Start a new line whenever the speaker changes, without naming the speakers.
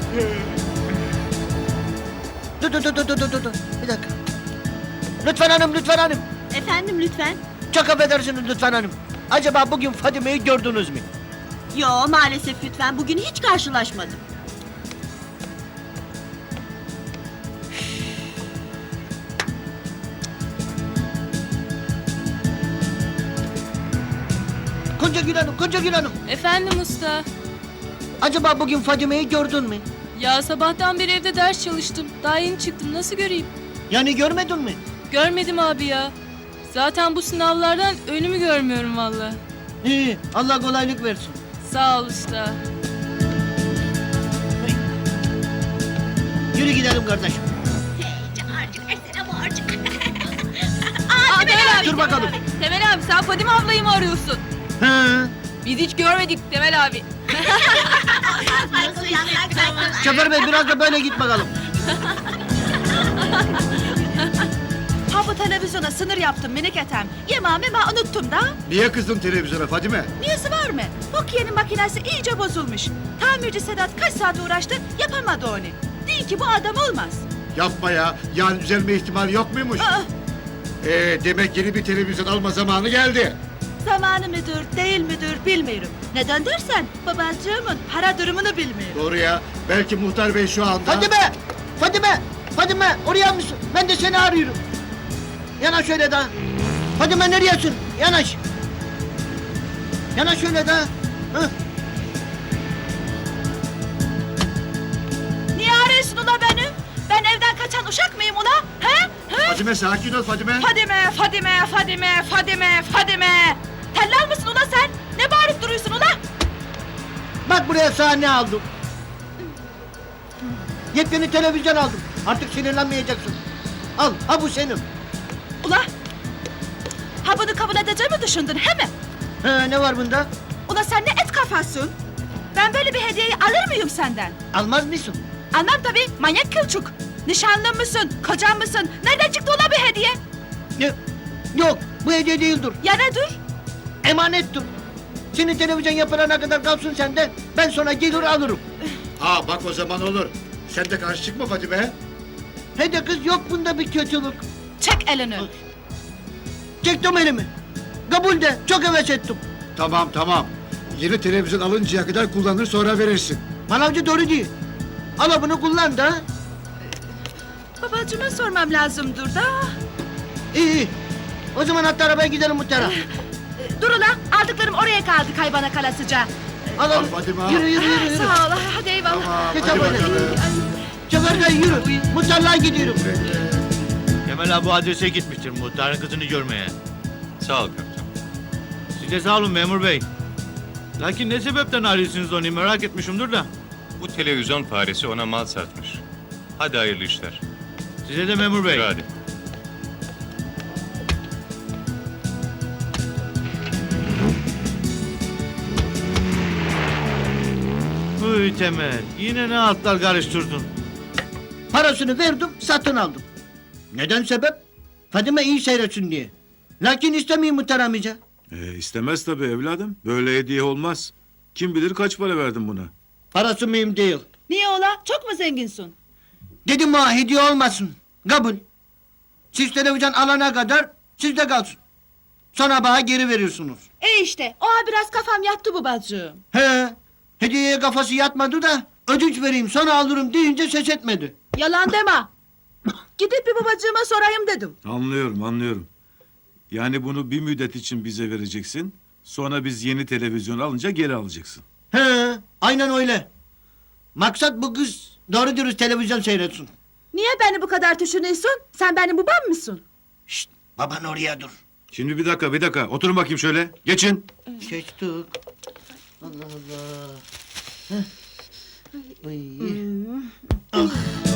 Dur. Bir dakika. Lütfen hanım, lütfen hanım.
Efendim lütfen.
Çok affedersiniz lütfen hanım. Acaba bugün Fadime'yi gördünüz mü?
Yo maalesef lütfen bugün hiç karşılaşmadım.
Konca Gül Hanım.
Efendim usta.
Acaba bugün Fadime'yi gördün mü?
Ya sabahtan beri evde ders çalıştım. Daha yeni çıktım. Nasıl göreyim?
Yani görmedin mi?
Görmedim abi ya. Zaten bu sınavlardan önümü görmüyorum valla.
İyi, Allah kolaylık versin.
Sağ ol usta.
Yürü gidelim kardeşim.
Aa, Temel abi.
Dur bakalım.
Temel abi sen Fadime ablayı mı arıyorsun?
He.
Biz hiç görmedik Temel abi.
Şoför bey biraz da böyle git bakalım.
Ha bu televizyona sınır yaptım minik etem. Yemeğimi ben unuttum da.
Niye kızdın televizyona Fadime?
Niyesi var mı? Bak yeni makinesi iyice bozulmuş. Tamirci Sedat kaç saat uğraştı yapamadı onu. Değil ki bu adam olmaz.
Yapma ya. Yani düzelme ihtimali yok muymuş?
Aa,
Demek yeni bir televizyon alma zamanı geldi.
zamanı müdür değil müdür bilmiyorum. Neden dersen babacığımın para durumunu bilmiyorum.
Doğru ya. Belki muhtar bey şu anda...
Fadime oraya mısın? Ben de seni arıyorum. Yanaş şöyle daha. Fadime nereyesin? Yanaş. Yanaş şöyle daha. Hı.
Niye arıyorsun ula beni? Ben evden kaçan uşak mıyım ula? He? He?
Fadime sakin ol Fadime.
Fadime. Tellal mısın ula sen? Ne bağırıp duruyorsun ula?
Bak buraya sahne aldım. Yepyeni televizyon aldım. Artık sinirlenmeyeceksin. Al, ha bu senin.
Ula. Ha bunu kabul edeceğimi düşündün he mi?
Ne var bunda?
Ula sen ne et kafasın? Ben böyle bir hediyeyi alır mıyım senden?
Almaz mısın?
Almam tabii, manyak kılçuk. Nişanlın mısın, kocan mısın? Nereden çıktı ula bir hediye?
Yok, bu hediye değildir.
Ya nedir?
Emanettir. Senin televizyon yapılana kadar kalsın sende. Ben sonra gelir alırım.
Ha bak o zaman olur. Sen de karşı çıkma Fadime.
Hadi kız yok bunda bir kötülük.
Çek elini.
Çektim elimi. Kabul de çok heves ettim.
Tamam. Yeni televizyon alıncaya kadar kullanır sonra verirsin.
Manavcı doğru değil. Al bunu kullan da.
Babacığıma sormam lazımdır da.
İyi. O zaman hatta arabaya gidelim muhtara.
Dur ula, aldıklarım oraya kaldı kaybana kalasıca.
Al.
Al Fadime, al.
Yürü.
Sağ ol, hadi eyvallah.
Tamam
Geç
hadi
abone.
bakalım.
Şoför bey yürü. Muhtarlığa gidiyorum.
Kemal abi adrese gitmiştir muhtarın kızını görmeye.
Sağ ol kaptan.
Siz de sağ olun memur bey. Lakin ne sebepten arıyorsunuz onu merak etmişimdir da.
Bu televizyon faresi ona mal satmış. Hadi hayırlı işler.
Size de memur bey.
Yürü hadi.
Hıy Temel yine ne altlar karıştırdın.
Parasını verdim, satın aldım. Neden sebep? Fadime iyi seyretsin diye. Lakin istemiyor muhtar amca.
İstemez tabii evladım. Böyle hediye olmaz. Kim bilir kaç para verdin buna?
Parası mühim değil.
Niye ola? Çok mu zenginsin?
Dedim ha hediye olmasın. Kabul. Siz televizyon alana kadar sizde kalsın. Sonra bana geri veriyorsunuz.
İşte, oha biraz kafam yattı babacığım.
He. Hediyeye kafası yatmadı da ödünç vereyim sonra alırım deyince ses etmedi.
Yalan deme. Gidip bir babacığıma sorayım dedim.
Anlıyorum. Yani bunu bir müddet için bize vereceksin. Sonra biz yeni televizyon alınca geri alacaksın.
He. Aynen öyle. Maksat bu kız doğru dürüst televizyon seyretsin.
Niye beni bu kadar düşünüyorsun? Sen benim babam mısın?
Şşt baban oraya dur.
Şimdi bir dakika. Oturun bakayım şöyle. Geçin.
Geçtik. Allah Allah. Heh. Ay. Ah.